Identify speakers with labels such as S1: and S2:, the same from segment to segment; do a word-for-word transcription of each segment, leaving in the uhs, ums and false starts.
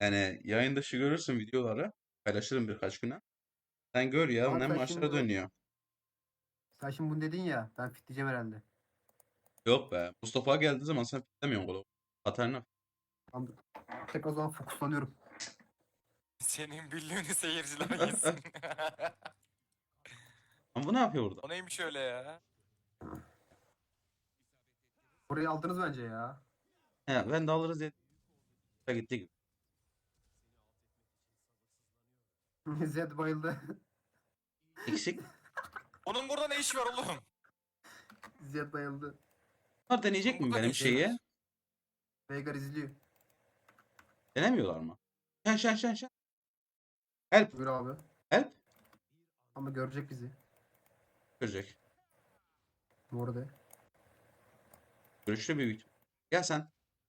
S1: Yani yayın dışı görürsün videoları. Paylaşırım birkaç güne. Sen gör ya
S2: Abi
S1: ne
S2: sen
S1: maçlara
S2: şimdi
S1: dönüyor.
S2: sen şimdi bunu dedin ya, ben fitleyeceğim herhalde.
S1: Yok be. Mustafa geldiği zaman sen piklemiyorsun golü. Katarina.
S2: Tamam. Tek o zaman fokuslanıyorum.
S3: Senin büllüğünü seyirciler yesin.
S1: Ama bu ne yapıyor burada?
S3: O neymiş öyle ya?
S2: Orayı aldınız bence ya.
S1: He, ben de alırız diye gitti gibi.
S2: Zed bayıldı.
S1: Eksik.
S3: Onun burada ne işi var oğlum?
S2: Zed bayıldı.
S1: Bunlar deneyecek
S3: Onun
S1: mi
S3: burada ne
S1: benim
S3: işi
S1: şeyi?
S3: var?
S2: Veigar izliyor.
S1: Denemiyorlar mı? Şen şen şen şen. Help.
S2: Buyur abi.
S1: Help.
S2: Ama görecek bizi.
S1: Görecek.
S2: Bu arada.
S1: Görüşlü bir büyük. Gel sen.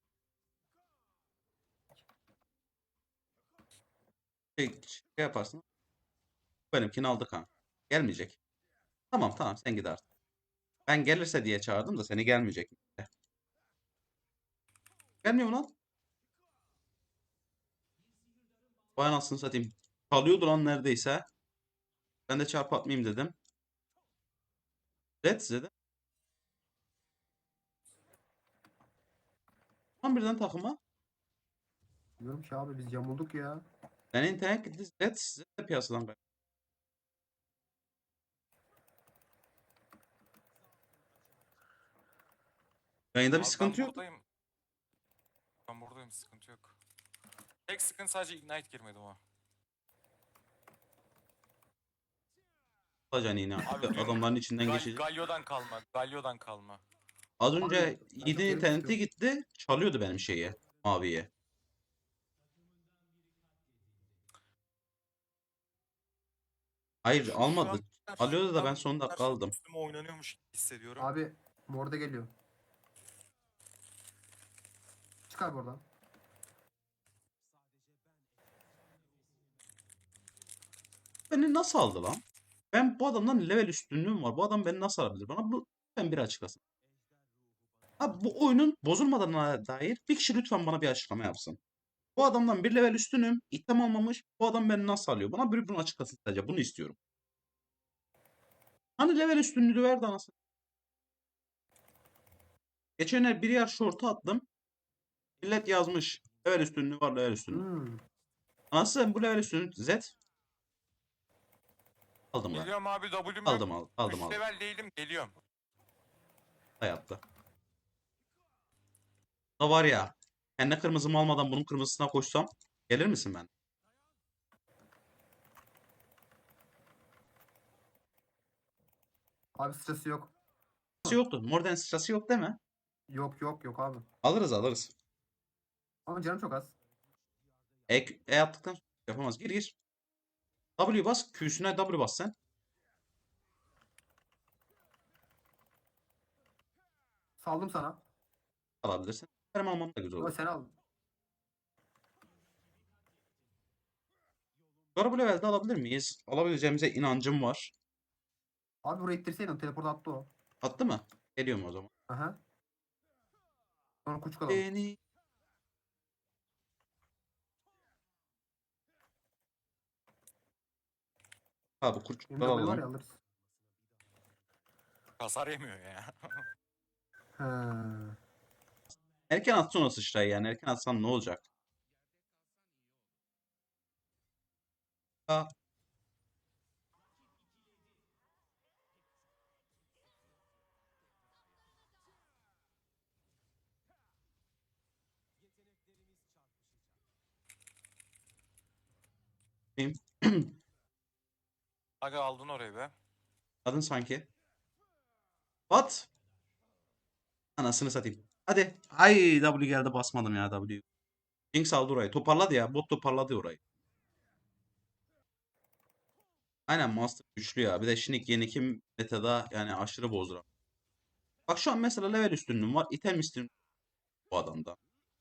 S1: Şey, şey yaparsın. Benimkini aldık ha. Gelmeyecek. Tamam tamam sen git artık. Ben gelirse diye çağırdım da seni gelmeyecek. Gelmiyor mu lan? Vay anasını satayım. Kalıyordu lan neredeyse. Ben de çarpı atmayayım dedim. Red dedim. Tam birden takıma.
S2: Diyorum ki abi biz yamulduk ya.
S1: Ben internet gitti. Red size de piyasadan kayboldu. Yayında bir
S3: Abi ben
S1: sıkıntı yok.
S3: buradayım. Ben buradayım, sıkıntı yok. Tek sıkıntı sadece Ignite girmedi o.
S1: Alacaksın yine.
S3: Abi dün
S1: Adamların içinden
S3: Gal
S1: geçecek.
S3: Galio'dan kalma. Galio'dan kalma.
S1: Az
S2: Abi
S1: önce
S2: ben çok
S1: yedi
S2: geri
S1: interneti
S2: düştüm.
S1: gitti. Çalıyordu benim şeyi. Maviye. Hayır
S3: Şu, şu an
S1: almadı. Alıyordu da ben
S3: tam
S1: son dakika
S3: karşı
S1: aldım.
S3: üstüme oynanıyormuş gibi hissediyorum.
S2: Abi Morde geliyor. Çıkar buradan.
S1: Beni nasıl aldı lan? Ben bu adamdan level üstünlüğüm var. Bu adam beni nasıl alabilir? Bana bu lütfen bir açıklasın. Abi bu oyunun bozulmadığına dair bir kişi lütfen bana bir açıklama yapsın. Bu adamdan bir level üstünüm. İtem almamış. Bu adam beni nasıl alıyor? Bana bir bunu açıklasın sadece. Bunu istiyorum. Hani level üstünlüğü verdi anasını. Geçen el bir yer short'a attım. Millet yazmış. Level üstünlüğü var level üstünlüğü.
S2: Hmm.
S1: Anasını bu level üstünlüğü Z. Aldım lan.
S3: Geliyorum abi, W'm yok.
S1: Aldım aldım aldım
S3: üç
S1: aldım.
S3: level değilim, geliyorum.
S1: Hayatta. Da var ya. Kendi kırmızımı almadan bunun kırmızısına koşsam. Gelir misin ben?
S2: Abi sırası yok.
S1: Sırası yoktu. Morden sırası yok değil mi?
S2: Yok yok yok abi.
S1: Alırız alırız.
S2: Ama canım çok az.
S1: E, e attıktan sonra yapamaz. Gir gir. W bas. Q'süne W bas sen.
S2: Saldım sana.
S1: Alabilirsin. Benim almam da güzel
S2: Ama
S1: olur.
S2: sen al.
S1: Sonra bu levelde alabilir miyiz? Alabileceğimize inancım var.
S2: Abi buraya ittirseydin teleport attı o.
S1: Attı mı? Geliyorum o zaman.
S2: Aha. Sonra kuçuk alalım.
S1: Beni. Abi
S2: Benim
S1: kurçukları
S2: W var ya
S1: alalım.
S2: alırız.
S3: Hasar yemiyor ya.
S2: He.
S1: Erken atsın o sıçrayı yani. Erken atsan ne olacak? Aa, benim-
S3: Aga aldın orayı be.
S1: Adın sanki. What? Anasını satayım. Hadi. Ay W geldi basmadım ya W. Jinx aldı orayı. Toparladı ya. Bot toparladı orayı. Aynen Master güçlü ya. Bir de Shinik yeni kim metada yani aşırı bozduran. Bak şu an mesela level üstünlüğüm var. İtem istiyorum bu adamda.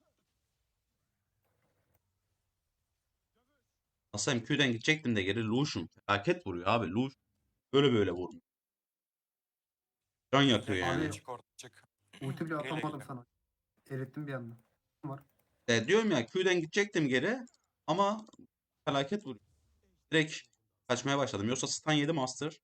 S1: Aslında M Q'den gidecektim de geri Lucian. Felaket vuruyor abi. Lucian böyle böyle vurmuyor. Can yakıyor
S3: Gel
S1: yani.
S3: gel,
S2: Abi
S3: çık orada, çık.
S2: ulti bile
S3: Gele
S2: atamadım
S3: gele.
S2: sana. Erittim bir anda. Var.
S1: E, diyorum ya Q'den gidecektim geri. Ama felaket vuruyor. Direkt kaçmaya başladım. Yoksa stun yedi Master.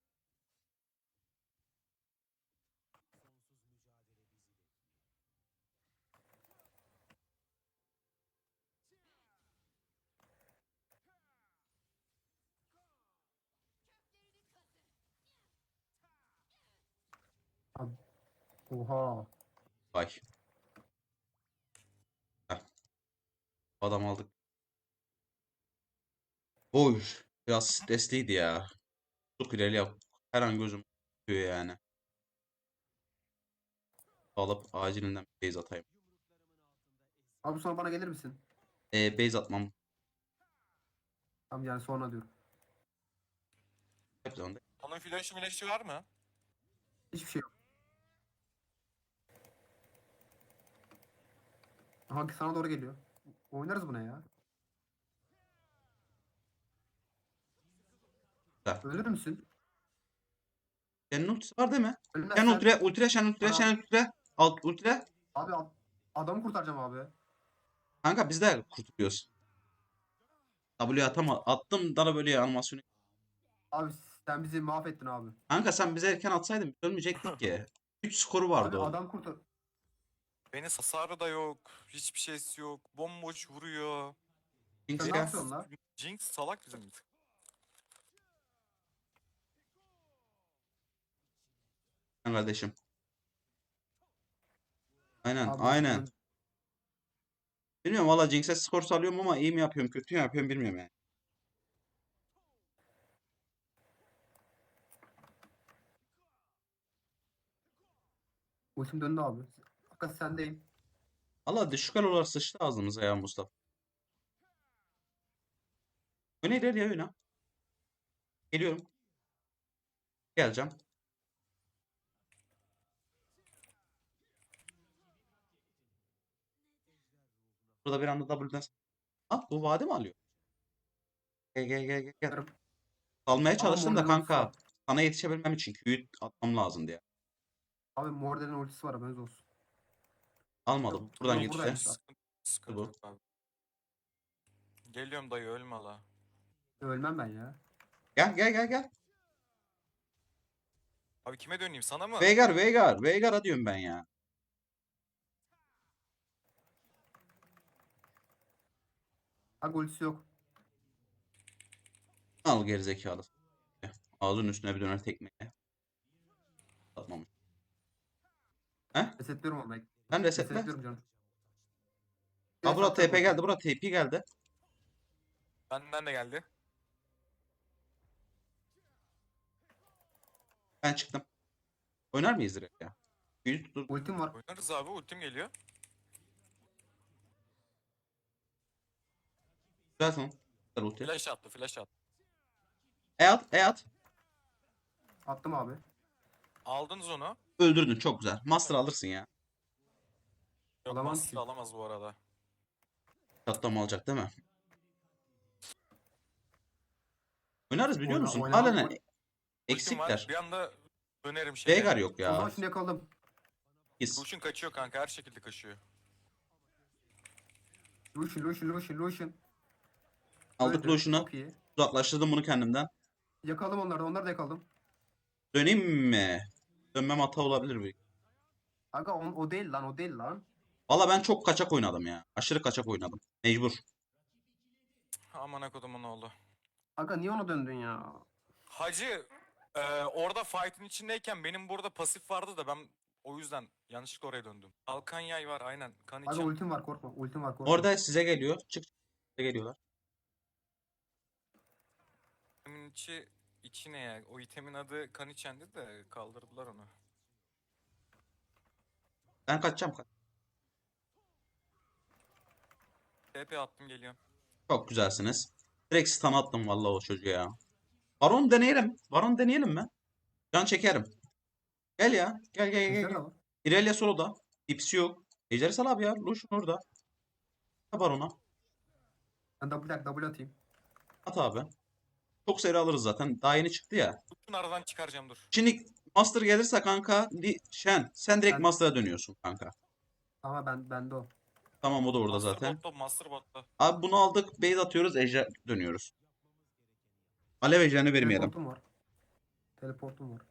S2: Abi, oha.
S1: Vay. Heh, adam aldık. Oy. Biraz stresliydi ya. Çok ileri yap. Her an gözüm tutuyor yani. Alıp acilinden bir base atayım.
S2: Abi sonra bana gelir misin?
S1: E, base atmam.
S2: Tamam yani sonra diyorum.
S1: Hep zaman
S3: Onun flash'ı flash'ı var mı?
S2: Hiçbir şey yok. Hangi sana doğru geliyor. Oynarız buna ya.
S1: da.
S2: Ölür müsün?
S1: Senin ultisi var değil mi? Sen
S2: Ölmezsen
S1: ultra, ultra, sen ultra,
S2: var abi.
S1: sen ultra. Alt ultra.
S2: Abi ad- adamı kurtaracağım abi.
S1: Kanka biz de kurtuluyoruz. W atama, attım da böyle animasyonu.
S2: Abi sen bizi mahvettin abi.
S1: Kanka sen bize erken atsaydın biz ölmeyecektik ki. üç skoru vardı
S2: Abi
S1: orada.
S2: adam kurtar.
S3: Beni hasarı da yok. Hiçbir şeysi yok. Bomboş vuruyor.
S1: Jinx
S2: Sen ne
S1: gel.
S2: yapıyorsun lan?
S3: Jinx salak bizim bir tık.
S1: Sen kardeşim. Aynen,
S2: Abi
S1: aynen.
S2: ultim-
S1: Bilmiyorum valla Jinx'e skor salıyorum ama iyi mi yapıyorum, kötü mü yapıyorum bilmiyorum yani.
S2: ultim döndü abi. Fakat sendeyim.
S1: Valla düşük alolar sıçtı ağzımıza ya Mustafa. Oyna ileri oyna. Geliyorum. Geleceğim. Burada bir anda W'den... Ah bu vade mi alıyor? Gel gel gel gel. gel.
S2: Yarım.
S1: Almaya
S2: Abi
S1: çalıştım da
S2: Morden'in ultisi
S1: kanka.
S2: var.
S1: Sana yetişebilmem için Q'yu atmam lazım diye.
S2: Abi Morden'in ultisi var haberiniz olsun.
S1: Almadı.
S2: Yok,
S1: Buradan
S2: yok,
S1: yetişti.
S2: buradaymış.
S3: Sıkıntı, sıkıntı
S1: Bu.
S3: yok abi. Geliyorum dayı ölme la.
S2: Ölmem ben ya.
S1: Gel gel gel gel.
S3: Abi kime döneyim sana mı?
S1: Veigar Veigar. Veigar'a diyorum ben ya.
S2: Abi ultisi yok.
S1: Al gerizekalı. Ağzının üstüne bir döner tekmeye. Atmamış. He?
S2: Resetliyorum ama.
S1: Sen resetle.
S2: Resetliyorum canım.
S1: Ha bura
S2: Resetliyorum
S1: T P
S2: ultimi.
S1: geldi. Bura T P geldi.
S3: Benden de geldi.
S1: Ben çıktım. Oynar mıyız direkt ya? Büyü tutur.
S2: Ultim var.
S3: Oynarız abi ultim geliyor.
S1: Güzel son. Güzel ulti.
S3: Flash attı flash attı.
S1: E at. E at.
S2: Attım abi.
S3: Aldınız onu.
S1: Öldürdün. Çok güzel. Master alırsın ya.
S3: Yok
S2: Alamam
S3: master
S2: ki.
S3: alamaz bu arada.
S1: Çatlama alacak değil mi? Oynarız biliyor
S2: Oyna-
S1: musun?
S2: oynamam.
S1: Halen
S2: Oy-
S3: Ultim var.
S1: eksikler.
S3: Bir anda dönerim şeye.
S1: Veigar yok
S2: O zaman
S1: ya.
S2: şunu yakalım.
S1: Biz.
S3: Lucian kaçıyor kanka her şekilde kaçıyor.
S2: Lucian, Lucian, Lucian, Lucian.
S1: Aldık
S2: Öldü.
S1: Lucian'ı.
S2: Çok iyi.
S1: Uzaklaştırdım bunu kendimden.
S2: Yakalım onları da. Onları da yakalım.
S1: Döneyim mi? Dönmem hata olabilir bir.
S2: Aga o, o değil lan. O değil lan.
S1: Valla ben çok kaçak oynadım ya. Aşırı kaçak oynadım. Mecbur.
S3: Aman kodumun oğlu.
S2: Aga niye ona döndün ya?
S3: Hacı e, orada fight'in içindeyken benim burada pasif vardı da ben o yüzden yanlışlıkla oraya döndüm. Alkan yay var aynen. Kan
S2: Aga
S3: için.
S2: ultim var korkma. Ultim var korkma.
S1: Orada size geliyor. Çık. Size geliyorlar.
S3: İtemin içi, içi ne ya? O itemin adı kan içendi de kaldırdılar onu.
S1: Ben kaçacağım.
S3: T P attım geliyorum.
S1: Çok güzelsiniz. Direkt stun attım vallahi o çocuğa ya. Baron deneyelim. Baron deneyelim mi? Can çekerim. Gel ya. Gel gel gel
S2: Ejder
S1: gel.
S2: de var.
S1: İrelia soloda. İpsi yok. Ejder'i sal abi ya. Lucian orada. At Baron'a.
S2: Ben double, double atayım.
S1: At abi. Çok seri alırız zaten. Daha yeni çıktı ya.
S3: Bütün aradan çıkaracağım dur.
S1: Şimdi Master gelirse kanka. Li, Shen. Sen direkt
S2: Ben-
S1: Master'a dönüyorsun kanka.
S2: Ama ben bende o.
S1: Tamam o da orada
S3: Master
S1: zaten.
S3: botta, Master botta.
S1: Abi bunu aldık. Base atıyoruz. Ejder dönüyoruz. Alev ejderini vermeyelim.
S2: Teleportum var. Teleportum var.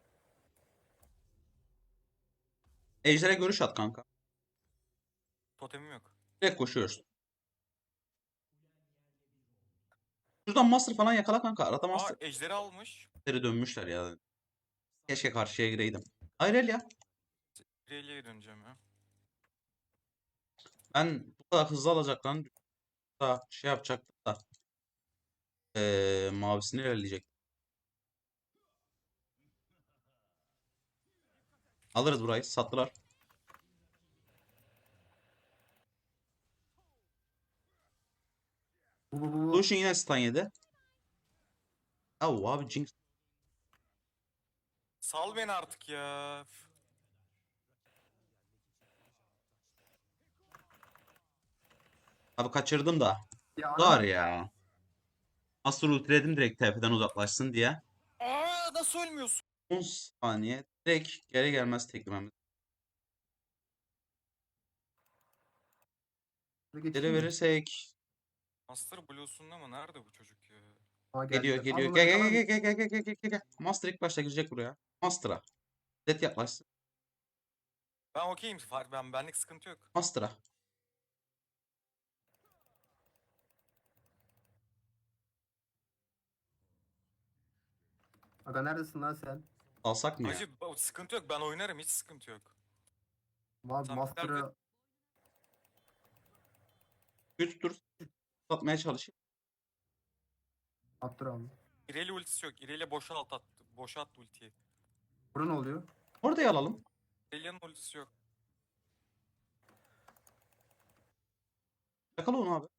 S1: Ejder'e görüş at kanka.
S3: Totemim yok.
S1: Direkt koşuyoruz. Şuradan Master falan yakala kanka. Arada
S3: Aa,
S1: Master.
S3: ejderi almış.
S1: Ejder'e dönmüşler ya. Keşke karşıya gireydim. Hayır el ya.
S3: Rayleigh'e döneceğim ya.
S1: Ben bu kadar hızlı alacaklarını da şey yapacaktım da. Ee, mavisini ilerleyecek. Alırız burayı. Sattılar.
S2: Bu bu bu. bu.
S1: Lucian yine stun yedi. Yahu abi Jinx.
S3: Sal beni artık ya. Üf.
S1: Abi kaçırdım da.
S2: Ya
S1: Var
S2: adam
S1: ya. Master ultiledim direkt T F'den uzaklaşsın diye.
S3: Aa, nasıl ölmüyorsun?
S1: on saniye. Direkt geri gelmez teklememiz. Geri
S2: geçeyim mi?
S1: verirsek.
S3: Master Blue'sunda mı? Nerede bu çocuk ya?
S2: Aa,
S1: Geliyor
S2: geldiler. Al
S1: geliyor.
S2: bunları
S1: Gel
S2: yakalar
S1: gel
S2: mısın?
S1: gel gel gel gel gel gel gel. Master ilk başta girecek buraya. Master'a. Zed yaklaşsın.
S3: Ben okeyim. Fark ben benlik sıkıntı yok.
S1: Master'a.
S2: Aga neredesin lan sen?
S1: Alsak mı ya?
S3: Hacı o sıkıntı yok. Ben oynarım. Hiç sıkıntı yok.
S2: Abi
S3: Sen
S2: Master'ı
S1: Güç dur. Satmaya çalışayım.
S2: attır abi.
S3: İreli ultisi yok. İreli boşalt attı. Boşalt ultiyi.
S2: Burada ne oluyor?
S1: Orada alalım.
S3: İrelia'nın ultisi yok.
S1: Yakala onu abi.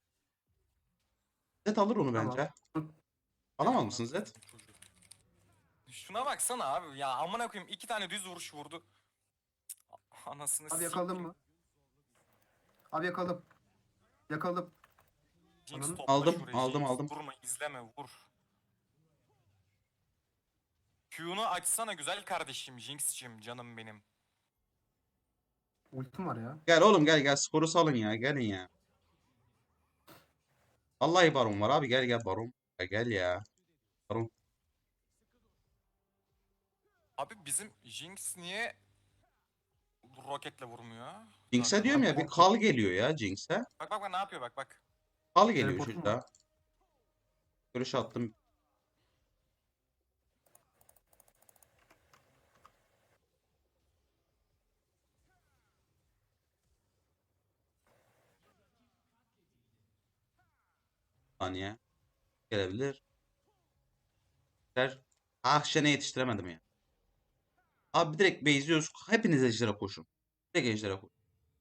S1: Zed alır onu
S2: Tamam.
S1: bence.
S2: Dur.
S1: Alamaz mısın Zed?
S3: Çocuğu. Şuna baksana abi. Ya amına koyayım. iki tane düz vuruş vurdu. Anasını
S2: Abi yakaladın
S3: sikeyim.
S2: mı? Abi yakaladım. Yakaladım.
S3: Jinx
S2: Ananı-
S3: topla
S1: Aldım,
S3: şurayı.
S1: aldım,
S3: Jinx.
S1: aldım.
S3: Vurma, izleme, vur. Q'nu açsana güzel kardeşim. Jinx'cim canım benim.
S2: Ultim var ya.
S1: Gel oğlum gel gel. Skoru salın ya. Gelin ya. Vallahi baron var abi. Gel gel baron. Gel, gel ya. Baron.
S3: Abi bizim Jinx niye roketle vurmuyor?
S1: Jinx'e
S3: Zaten.
S1: diyorum
S2: Abi
S1: ya bir
S2: korkma.
S1: kal geliyor ya Jinx'e.
S3: Bak bak bak ne yapıyor bak bak.
S1: Kal geliyor
S2: Teleportum
S1: çocuğa. Görüş attım. Saniye. Gelebilir. Der. Ah Shen'e yetiştiremedim ya. Abi direkt base'liyoruz. Hepiniz ejderha koşun. Direkt ejderha koşun.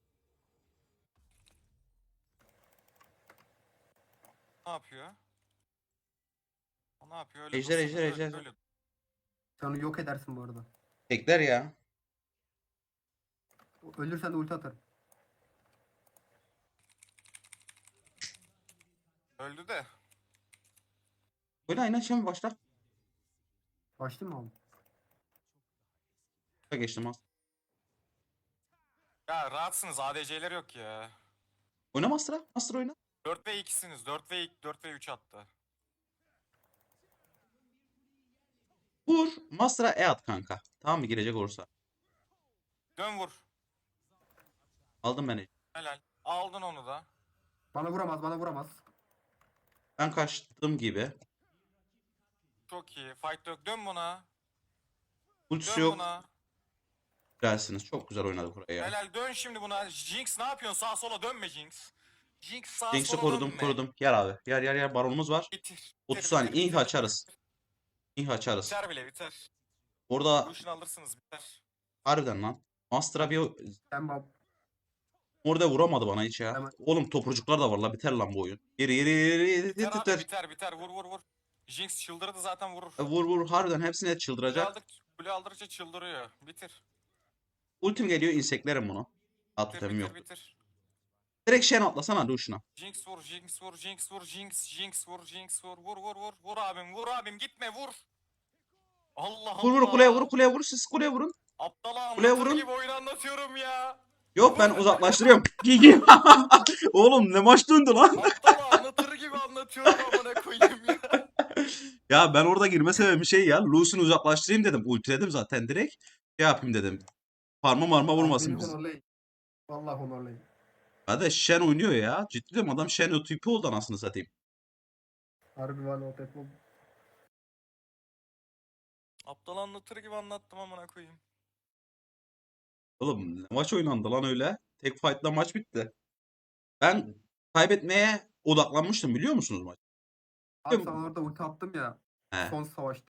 S3: Ne yapıyor? O ne yapıyor? Öyle
S1: Ejder,
S3: dursun,
S1: ejder,
S3: öyle-
S1: ejder.
S3: öyle.
S2: Sen onu yok edersin bu arada.
S1: Tekler ya.
S2: Ölürsen de ulti atarım.
S3: Öldü de.
S1: Böyle aynen şimdi başla.
S2: Başlayayım mı abi?
S1: Geçtim az.
S3: Ya rahatsınız A D C'ler yok ya.
S1: Oyna Master'a. Master oyna.
S3: dört ve ikisiniz. dört ve dört ve üç attı.
S1: Vur. Master'a E at kanka. Tamam mı girecek olursa.
S3: Dön vur.
S1: Aldım ben.
S3: Helal. Aldın onu da.
S2: Bana vuramaz, bana vuramaz.
S1: Ben kaçtığım gibi.
S3: Çok iyi. Fight yok. Dön buna.
S1: Ultisi
S3: Dön
S1: yok.
S3: buna.
S1: Güzelsiniz. Çok güzel oynadık orayı ya.
S3: Helal dön şimdi buna. Jinx ne yapıyorsun? Sağa sola dönme Jinx. Jinx sağa
S1: Jinx'i
S3: sola
S1: korudum
S3: dönme.
S1: korudum. Yer abi. Yer yer yer. Baronumuz var.
S3: Bitir.
S1: otuz
S3: bitir,
S1: saniye.
S3: bitir,
S1: İnh
S3: bitir,
S1: açarız.
S3: bitir.
S1: İnh açarız.
S3: Biter bile biter.
S1: Orada
S3: Lucian alırsınız biter.
S1: harbiden lan. Master'a bir
S2: Sen bab.
S1: orada vuramadı bana hiç ya.
S2: Hemen.
S1: Oğlum topurcuklar da var la. Biter lan bu oyun. Yeri yeri yeri yeri
S3: Biter abi
S1: biter.
S3: biter biter. Vur vur vur. Jinx çıldırdı zaten vurur.
S1: Vur vur harbiden hepsine
S3: Kule,
S1: çıldıracak.
S3: aldık, kule aldıkça çıldırıyor. Bitir.
S1: Ultim geliyor inseklerim bunu. At
S3: Bitir
S1: totemim
S3: bitir
S1: yok.
S3: bitir.
S1: Direkt Shen atlasana Lucian'a.
S3: Jinx vur, Jinx vur, Jinx vur, Jinx, Jinx vur, Jinx vur, vur vur vur, vur abim, vur abim, gitme vur. Allah
S1: Vur
S3: Allah.
S1: vur kuleye vur kuleye vur siz kuleye vurun.
S3: Aptala
S1: Kuleye
S3: anlatır
S1: vurun.
S3: gibi oyun anlatıyorum ya.
S1: Yok ben uzaklaştırıyorum. Gigi. Oğlum ne maç döndü lan?
S3: Aptal anlatır gibi anlatıyorum amına koyayım ya.
S1: Ya ben orada girme sebebim şey ya. Lucy'ni uzaklaştırayım dedim. Ultiledim zaten direkt. Şey yapayım dedim. Parma marma
S2: Abi
S1: vurmasın
S2: beni
S1: bizi.
S2: honorlayın. Vallahi honorlayın.
S1: Hadi Shen oynuyor ya. Ciddi diyorum adam Shen o tipi oldu anasını satayım.
S2: Harbi var o tek bu.
S3: Aptal anlatır gibi anlattım amına koyayım.
S1: Oğlum ne maç oynandı lan öyle. Tek fight'la maç bitti. Ben kaybetmeye odaklanmıştım biliyor musunuz maç?
S2: Abi sana orada ulti attım ya.
S1: He.
S2: Son savaşta.